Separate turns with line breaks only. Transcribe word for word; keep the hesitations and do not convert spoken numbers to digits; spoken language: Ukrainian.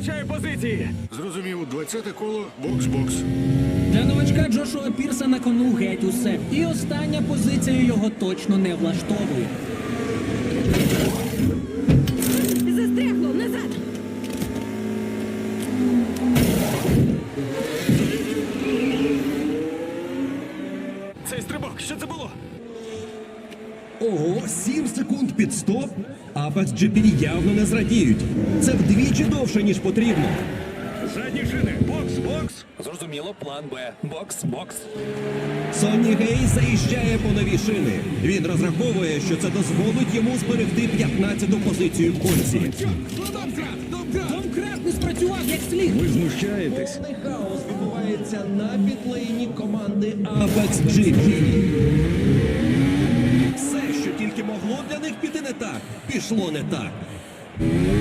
втрачає позиції.
Зрозумів, двадцяте коло, бокс-бокс.
Для новачка Джошуа Пірса на кону геть усе. І остання позиція його точно не влаштовує.
Застрягло, назад!
Цей стрибок, що це було?
Ого, сім секунд під стоп? Apex джі пі явно не зрадіють. Це вдвічі довше, ніж потрібно.
Задні шини, бокс, бокс.
Зрозуміло, план Б. Бокс, бокс.
Сонні Гей заїжджає по нові шини. Він розраховує, що це дозволить йому зберегти п'ятнадцяту позицію в гонці.
Домкрат не спрацював як слід.
Ви знущаєтесь.
Повний хаос відбувається на підлейні команди Apex джі пі. Все, що тільки могло для них піти не так, пішло не так.